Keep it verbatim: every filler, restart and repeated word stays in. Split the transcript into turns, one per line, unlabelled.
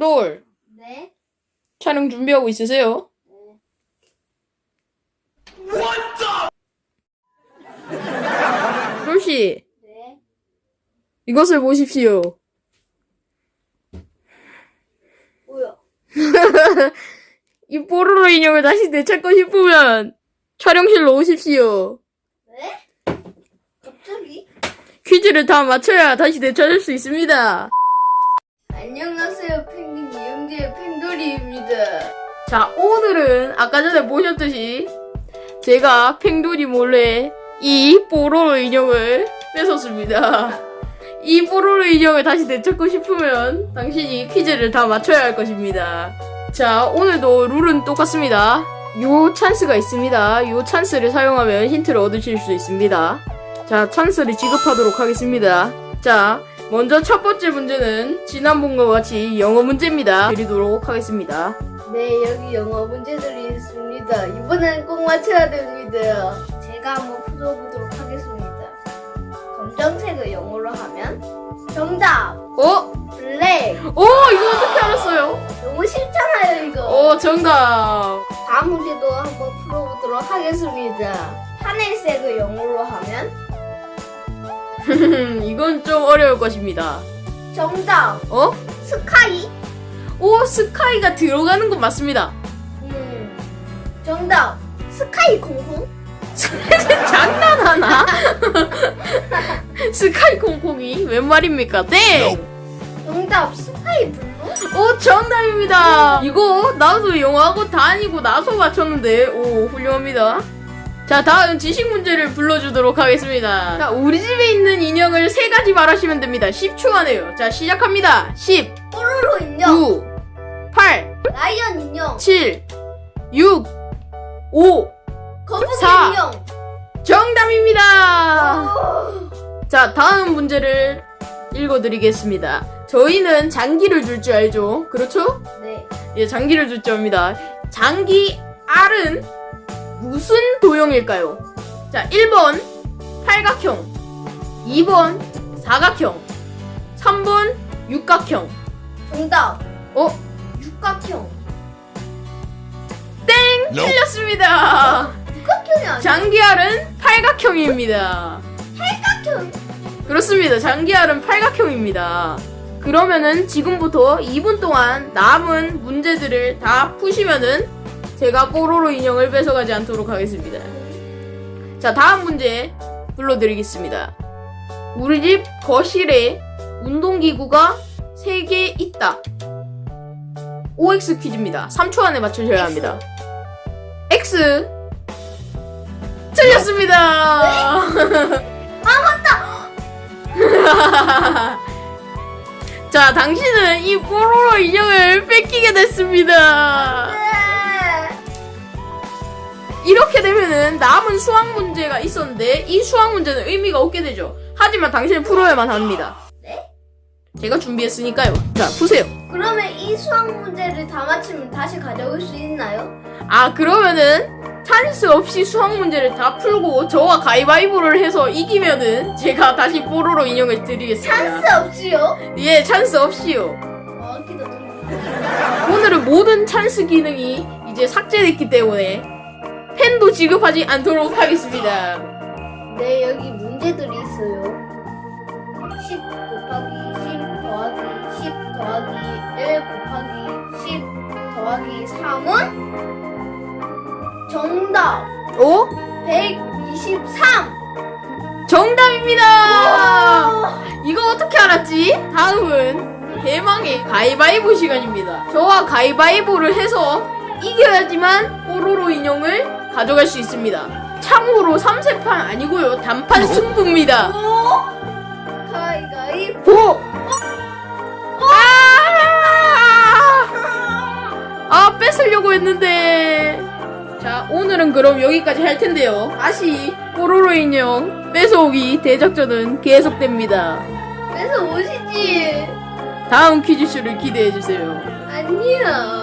롤.
네.
촬영 준비하고 있으세요? 롤씨,
네.
이것을 보십시오.
뭐야?
이 뽀로로 인형을 다시 되찾고 싶으면 촬영실로 오십시오.
네? 갑자기?
퀴즈를 다 맞춰야 다시 되찾을 수 있습니다.
안녕하세요, 펭귄 이영재의 펭돌이입니다.
자, 오늘은 아까 전에 보셨듯이 제가 팽돌이 몰래 이 뽀로로 인형을 뺏었습니다. 이 뽀로로 인형을 다시 되찾고 싶으면 당신이 퀴즈를 다 맞춰야 할 것입니다. 자, 오늘도 룰은 똑같습니다. 요 찬스가 있습니다. 요 찬스를 사용하면 힌트를 얻으실 수 있습니다. 자, 찬스를 지급하도록 하겠습니다. 자, 먼저 첫 번째 문제는 지난번과 같이 영어 문제입니다. 드리도록 하겠습니다.
네, 여기 영어 문제들이 있습니다. 이번엔 꼭 맞춰야 됩니다. 제가 한번 풀어보도록 하겠습니다. 검정색을 영어로 하면 정답!
어?
블랙!
오, 이거 어떻게 알았어요?
너무 쉽잖아요, 이거.
어, 정답.
다음 문제도 한번 풀어보도록 하겠습니다. 하늘색을 영어로 하면
이건 좀 어려울 것입니다.
정답!
어?
스카이!
오, 스카이가 들어가는 건 맞습니다.
음, 정답! 스카이 콩콩?
장난하나? 스카이 콩콩이 웬 말입니까? 땡!
정답! 스카이 블루?
오, 정답입니다. 이거 나도 영어하고 다니고 나서 맞췄는데, 오, 훌륭합니다. 자, 다음 지식 문제를 불러주도록 하겠습니다. 자, 우리 집에 있는 인형을 세 가지 말하시면 됩니다. 십 초 안에요. 자, 시작합니다. 십,
뽀로로 인형!
구, 팔,
라이언 인형!
칠, 육, 오,
거북이
사.
인형!
정답입니다.
오.
자, 다음 문제를 읽어드리겠습니다. 저희는 장기를 줄 줄 알죠? 그렇죠?
네.
예, 장기를 줄 줄 압니다. 장기 R은 무슨 도형일까요? 자, 일 번 팔각형, 이 번 사각형, 삼 번 육각형.
정답!
어?
육각형!
땡! 틀렸습니다.
육각형이 아니야?
장기 R은 팔각형입니다.
팔각형!
그렇습니다. 장기 R은 팔각형입니다. 그러면은 지금부터 이 분 동안 남은 문제들을 다 푸시면은 제가 뽀로로 인형을 뺏어가지 않도록 하겠습니다. 자, 다음 문제 불러드리겠습니다. 우리 집 거실에 운동기구가 세 개 있다. 오엑스 퀴즈입니다. 삼 초 안에 맞추셔야 합니다. X. 틀렸습니다.
아, 맞다!
자, 당신은 이 뽀로로 인형을 뺏기게 됐습니다.
네.
이렇게 되면은 남은 수학 문제가 있었는데 이 수학 문제는 의미가 없게 되죠. 하지만 당신은 풀어야만 합니다.
네?
제가 준비했으니까요. 자, 푸세요.
그러면 이 수학 문제를 다 맞히면 다시 가져올 수 있나요?
아, 그러면은 찬스 없이 수학 문제를 다 풀고 저와 가위바위보를 해서 이기면은 제가 다시 뽀로로 인형을 드리겠습니다.
찬스 없지요?
예, 찬스 없이요.
어, 기다려.
오늘은 모든 찬스 기능이 이제 삭제됐기 때문에 펜도 지급하지 않도록 하겠습니다.
네, 여기 문제들이 있어요. 십 곱하기 십 더하기 십 더하기 일 곱하기 십 더하기 삼은 정답
오?
백이십삼.
정답입니다. 이거 어떻게 알았지? 다음은 대망의 가위바위보 시간입니다. 저와 가위바위보를 해서 이겨야지만 뽀로로 인형을 가져갈 수 있습니다. 참고로 삼 세판 아니고요. 단판 승부입니다.
오! 가위가위보.
보! 아! 아, 뺏으려고 했는데. 자, 오늘은 그럼 여기까지 할 텐데요. 다시 뽀로로 인형 뺏어오기 대작전은 계속됩니다.
그래서 오시지.
다음 퀴즈쇼를 기대해주세요.
안녕.